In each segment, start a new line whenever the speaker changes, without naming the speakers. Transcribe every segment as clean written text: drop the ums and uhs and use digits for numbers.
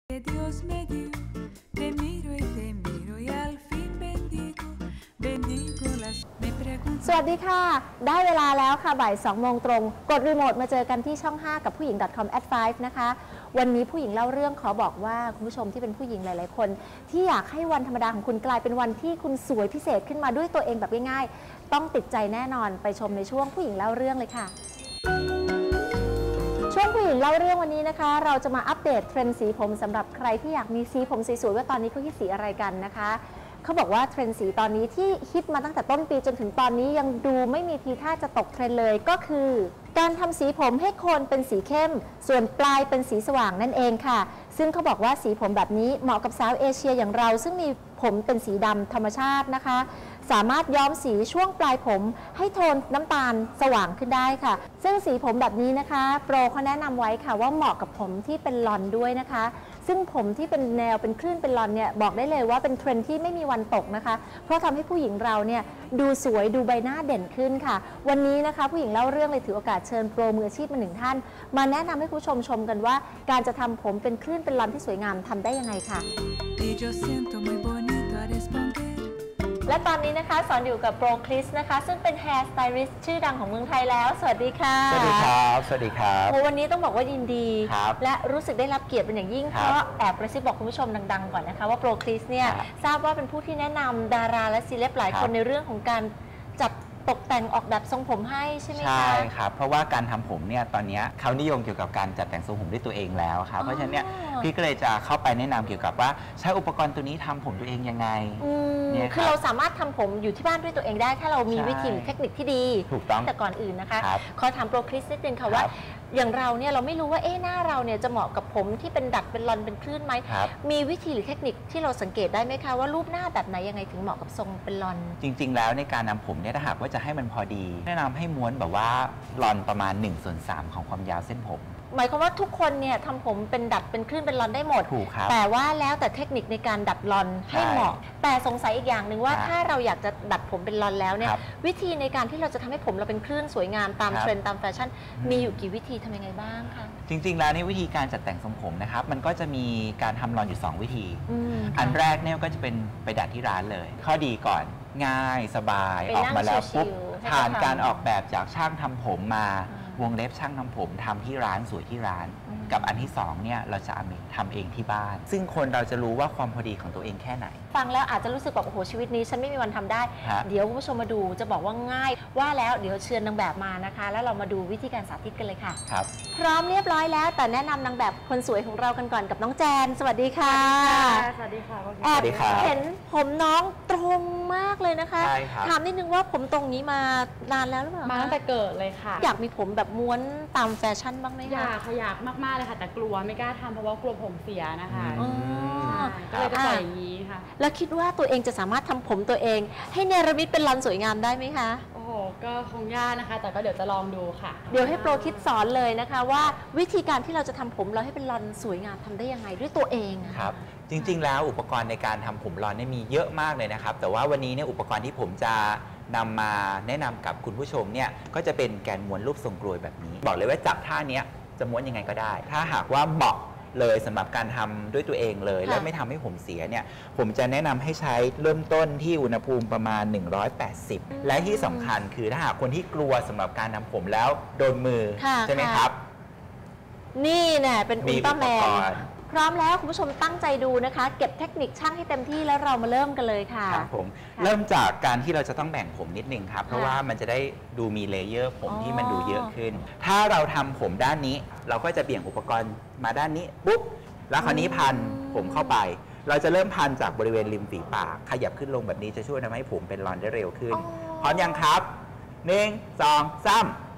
Que Dios me dio, te miro y al fin bendigo las me pregunto
สวัสดีค่ะได้เวลาแล้วค่ะบ่าย2โมงตรงกดรีโมทมาเจอกันที่ช่อง 5 กับผู้หญิง .com @5 นะคะวันนี้ผู้หญิงเล่าเรื่องขอบอกว่าคุณผู้ชมที่เป็นผู้หญิงหลายๆคนที่อยากให้วันธรรมดาของคุณกลายเป็นวันที่คุณสวยพิเศษขึ้นมาด้วยตัวเองแบบง่ายๆต้องติดใจแน่นอนไปชมในช่วงผู้หญิงเล่าเรื่องเลยค่ะช่วงผู้หญิงเล่าเรื่องวันนี้นะคะเราจะมาอัปเดตเทรนด์สีผมสำหรับใครที่อยากมีสีผมสวยๆว่าตอนนี้เขาฮิตสีอะไรกันนะคะเขาบอกว่าเทรนด์สีตอนนี้ที่ฮิตมาตั้งแต่ต้นปีจนถึงตอนนี้ยังดูไม่มีทีท่าจะตกเทรนด์เลยก็คือการทำสีผมให้โคนเป็นสีเข้มส่วนปลายเป็นสีสว่างนั่นเองค่ะซึ่งเขาบอกว่าสีผมแบบนี้เหมาะกับสาวเอเชียอย่างเราซึ่งมีผมเป็นสีดำธรรมชาตินะคะสามารถย้อมสีช่วงปลายผมให้โทนน้ำตาลสว่างขึ้นได้ค่ะซึ่งสีผมแบบนี้นะคะโปรเขาแนะนำไว้ค่ะว่าเหมาะกับผมที่เป็นลอนด้วยนะคะซึ่งผมที่เป็นแนวเป็นคลื่นเป็นลอนเนี่ยบอกได้เลยว่าเป็นเทรนด์ที่ไม่มีวันตกนะคะเพราะทำให้ผู้หญิงเราเนี่ยดูสวยดูใบหน้าเด่นขึ้นค่ะวันนี้นะคะผู้หญิงเล่าเรื่องเลยถือโอกาสเชิญโปรมืออาชีพมา1ท่านมาแนะนำให้ผู้ชมชมกันว่าการจะทำผมเป็นคลื่นเป็นลอนที่สวยงามทำได้ยังไงค่ะและตอนนี้นะคะสอนอยู่กับโปรคริสนะคะซึ่งเป็น Hair Stylist ชื่อดังของเมืองไทยแล้วสวัสดีค่ะ
สวัสดีครับสวัสดีครับ
วันนี้ต้องบอกว่ายินดีและรู้สึกได้รับเกียรติเป็นอย่างยิ่งเพราะแอบกระซิบบอกคุณผู้ชมดังๆก่อนนะคะว่าโปรคริสเนี่ยทราบว่าเป็นผู้ที่แนะนำดาราและซีเลบหลายคนในเรื่องของการจัดตกแต่งออกแบบทรงผมให้ใช่ไหมคะ
ใช่ครับเพราะว่าการทำผมเนี่ยตอนนี้เขานิยมเกี่ยวกับการจัดแต่งทรงผมด้วยตัวเองแล้วครับเพราะฉะนั้นเนี่ยพี่ก็เลยจะเข้าไปแนะนำเกี่ยวกับว่าใช้อุปกรณ์ตัวนี้ทำผมตัวเองยังไง
เนี่ยคือเราสามารถทำผมอยู่ที่บ้านด้วยตัวเองได้ถ้าเรามีวิธีหรือเทคนิคที่ดี
ถูกต้อง
แต่ก่อนอื่นนะคะขอถามโปรคริสนิดนึงค่ะว่าอย่างเราเนี่ยเราไม่รู้ว่าหน้าเราเนี่ยจะเหมาะกับผมที่เป็นดัดเป็นลอนเป็นคลื่นไหมมีวิธีหรือเทคนิคที่เราสังเกตได้ไหมคะว่ารูปหน้าแบบไหนยังไงถึงเหมาะกับทรงเป็นลอน
จริงๆแล้วในการนำผมเนี่ยถ้าหากว่าจะให้มันพอดีแนะนำให้ม้วนแบบว่าลอนประมาณ1/3ของความยาวเส้นผม
หมายความว่าทุกคนเนี่ยทำผมเป็นดัดเป็นคลื่นเป็นลอนได้หมด
ถูกครับ
แต่ว่าแล้วแต่เทคนิคในการดัดลอนให้เหมาะแต่สงสัยอีกอย่างหนึ่งว่าถ้าเราอยากจะดัดผมเป็นลอนแล้วเนี่ยวิธีในการที่เราจะทำให้ผมเราเป็นคลื่นสวยงามตามเทรนด์ตามแฟชั่นมีอยู่กี่วิธีทำยังไงบ้างคะ
จริงๆแล้วในวิธีการจัดแต่งทรงผมนะครับมันก็จะมีการทำลอนอยู่2วิธีอันแรกเนี่ยก็จะเป็นไปดัดที่ร้านเลยข้อดีก่อนง่ายสบายออกมาแล้วปุ๊บผ่านการออกแบบจากช่างทำผมมาวงเล็บช่างทำผมทำที่ร้านสวยที่ร้านกับอันที่2เนี่ยเราจะทำเองที่บ้านซึ่งคนเราจะรู้ว่าความพอดีของตัวเองแค่ไหน
ฟังแล้วอาจจะรู้สึกแบบโอ้โหชีวิตนี้ฉันไม่มีวันทำได้เดี๋ยวคุณผู้ชมมาดูจะบอกว่าง่ายว่าแล้วเดี๋ยวเชิญนางแบบมานะคะแล้วเรามาดูวิธีการสาธิตกันเลยค่ะ
ครับ
พร้อมเรียบร้อยแล้วแต่แนะนำนางแบบคนสวยของเรากันก่อนกับน้องแจนสวัสดีค่ะ
สวัสดีค่ะ
แอบเห็นผมน้องตรงมากเลยนะคะถามนิดนึงว่าผมตรงนี้มานานแล้วหรือเปล่า
มาตั้งแต่เกิดเลยค่ะ
อยากมีผมแบบม้วนตามแฟชั่นบ้างไหมคะ
อยากมากๆเลยค่ะแต่กลัวไม่กล้าทำเพราะว่ากลัวผมเสียนะคะก็เลยจะปล่อยอย่างนี้ค่ะ
แล้วคิดว่าตัวเองจะสามารถทำผมตัวเองให้เนรมิตเป็นลอนสวยงามได้ไหมคะ
โอ้โหก็คงยากนะคะแต่ก็เดี๋ยวจะลองดูค่ะ
เดี๋ยวให้โปรคิดสอนเลยนะคะว่าวิธีการที่เราจะทำผมเราให้เป็นลอนสวยงามทำได้ยังไงด้วยตัวเอง
ครับจริงๆแล้วอุปกรณ์ในการทำผมลอนเนี่ยมีเยอะมากเลยนะครับแต่ว่าวันนี้เนี่ยอุปกรณ์ที่ผมจะนำมาแนะนำกับคุณผู้ชมเนี่ยก็จะเป็นแกนม้วนรูปทรงกลวยแบบนี้บอกเลยว่าจับท่านี้จะม้วนยังไงก็ได้ถ้าหากว่าเหมาะเลยสำหรับการทำด้วยตัวเองเลยและไม่ทำให้ผมเสียเนี่ยผมจะแนะนำให้ใช้เริ่มต้นที่อุณหภูมิประมาณ180และที่สำคัญคือถ้าหากคนที่กลัวสำหรับการทำผมแล้วโดนมือใช่ไหมครับ
นี่แน่เป็นอุลตร้าแมนพร้อมแล้วคุณผู้ชมตั้งใจดูนะคะเก็บเทคนิคช่างให้เต็มที่แล้วเรามาเริ่มกันเลยค่ะ
ครับผมเริ่มจากการที่เราจะต้องแบ่งผมนิดนึงครับเพราะว่ามันจะได้ดูมีเลเยอร์ผมที่มันดูเยอะขึ้นถ้าเราทำผมด้านนี้เราก็จะเบี่ยงอุปกรณ์มาด้านนี้ปุ๊บแล้วคราวนี้พันผมเข้าไปเราจะเริ่มพันจากบริเวณริมฝีปากขยับขึ้นลงแบบนี้จะช่วยทำให้ผมเป็นรอนได้เร็วขึ้นพร้อมยังครับ1 2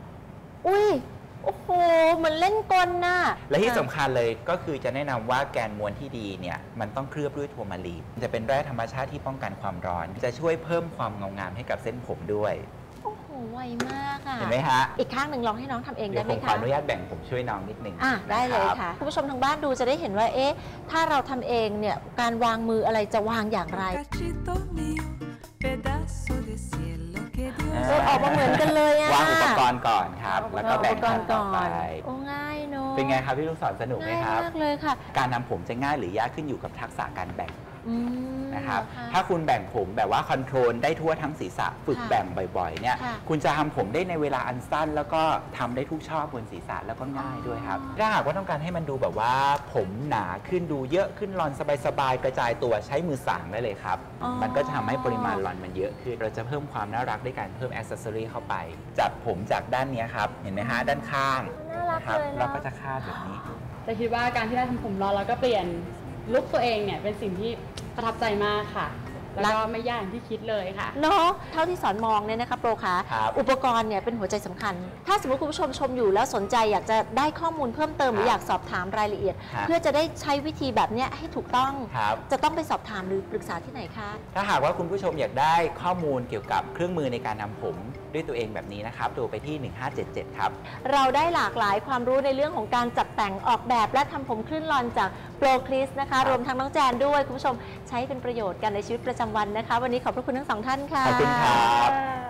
3
อุ้ยโอ้โหเหมือนเล่นกลน่ะ
และที่สำคัญเลยก็คือจะแนะนำว่าแกนม้วนที่ดีเนี่ยมันต้องเคลือบด้วยทัวร์มาลีนจะเป็นแร่ธรรมชาติที่ป้องกันความร้อนจะช่วยเพิ่มความเงางามให้กับเส้นผมด้วย
โอ้โหไวมากอ่ะ
เห็นไหมฮะ
อีกข้างหนึ่งลองให้น้องทำเองได้ไหมคะ
ผมขออนุญาตแบ่งผมช่วยน้องนิดนึง
ได้เลยค่ะคุณผู้ชมทางบ้านดูจะได้เห็นว่าถ้าเราทำเองเนี่ยการวางมืออะไรจะวางอย่างไรออกมาเหมือนกันเลยอะ
วางอุปกรณ์ก่อนครับแล้วก็แบ่งขั้นต่อไป
โอ้ง่ายเนอะ
เป็นไงครับพี่ลูกศรสนุกไหม
ง่าย
ครับ
มากเลยค่ะ
การทำผมจะง่ายหรือยากขึ้นอยู่กับทักษะการแบ่ง นะครับ
ะ
ถ้าคุณแบ่งผมแบบว่าคอนโทรลได้ทั่วทั้งศีรษะฝึก
ค่ะ
แบ่งบ่อยๆเนี่ย
ค่ะ
คุณจะทำผมได้ในเวลาอันสั้น แล้วก็ทำได้ทุกช่อบนศีรษะแล้วก็ง่ายด้วยครับถ้าหากว่าต้องการให้มันดูแบบว่าผมหนาขึ้นดูเยอะขึ้นรอนสบายๆกระจายตัวใช้มือสางได้เลยครับ
อ๋อ
มันก็จะทำให้ปริมาณรอนมันเยอะขึ้นเราจะเพิ่มความน่ารักด้วยการเพิ่มอ c เซสซอรีเข้าไปจากผมจากด้านเนี้ยครับเห็นไหมฮะด้านข้าง
น่ารัก
นะครับ
เลยเนอะ
เราก็จะคาดแบบนี้
แต่คิดว่าการที่ได้ทำผมรอนแล้วก็เปลี่ยนลุคตัวเองเนี่ยเป็นสิ่งที่ประทับใจมากค่ะ แล้วก็ไม่ยากอย่างที่คิดเลยค่ะ
เนาะเท่าที่สอนมองเนี่ยนะคะโปรคะ
ครับ
อุปกรณ์เนี่ยเป็นหัวใจสำคัญ ถ้าสมมติคุณผู้ชมชมอยู่แล้วสนใจอยากจะได้ข้อมูลเพิ่มเติมหรืออยากสอบถามรายละเอียด
ครับ
เพื่อจะได้ใช้วิธีแบบเนี้ยให้ถูกต้อง
ครับ
จะต้องไปสอบถามหรือปรึกษาที่ไหนคะ
ถ้าหากว่าคุณผู้ชมอยากได้ข้อมูลเกี่ยวกับเครื่องมือในการทำผมด้วยตัวเองแบบนี้นะครับโทรไปที่ 1577 ครับ
เราได้หลากหลายความรู้ในเรื่องของการจัดแต่งออกแบบและทำผมคลื่นรอนจากโปรคริสนะคะ รวมทั้งน้องแจนด้วยคุณผู้ชมใช้เป็นประโยชน์กันในชีวิตประจำวันนะคะ วันนี้ขอบพระคุณทั้งสองท่านค่ะ
ขอบคุณครับ